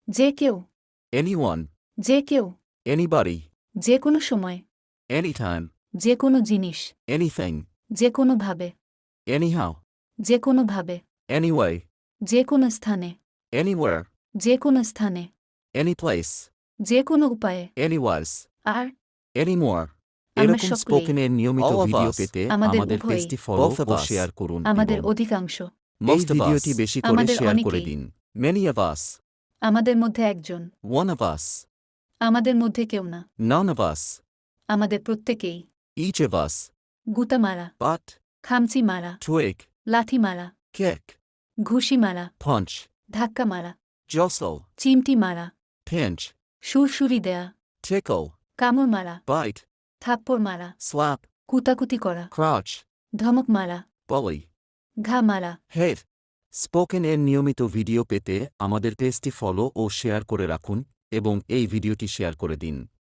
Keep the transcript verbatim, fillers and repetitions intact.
যে কেউ, anyone, যে কেউ, anybody, যে কোনো সময়, anytime, যে কোনো জিনিস, anything, যে কোনোভাবে, anyhow, যে কোনোভাবে, anyway, যে কোনো স্থানে, anywhere, যে কোনো স্থানে, anyplace, যে কোনো উপায়ে, anywise, আর anymore. আমরা এরকম সকলেই, স্পোকেনের নিয়মিত All of ভিডিও us, পেতে আমাদের আমাদের উভয়ই, পেজটি ফলো both of ও us, শেয়ার করুন আমাদের এবং অধিকাংশ, এই most of ভিডিওটি us, বেশি করে আমাদের শেয়ার করে অনেকেই, দিন। many of us, আমাদের মধ্যে একজন, one of us, আমাদের মধ্যে কেউ না, none of us, আমাদের প্রত্যেকেই, each of us, গুতা মারা, but, খামচি মারা, twig, লাথি মারা, kick, ঘুষি মারা, punch, ধাক্কা মারা, jostle, চিমটি মারা, pinch, সুরসুরি দেয়া, tickle, কামড় মারা, bite, থাপ্পড় মারা, slap, কুতাকুতি করা, crouch, ধমক মারা, bully, ঘা মারা। hit. স্পোকেনের নিয়মিত ভিডিও পেতে আমাদের পেজটি ফলো ও শেয়ার করে রাখুন এবং এই ভিডিওটি শেয়ার করে দিন।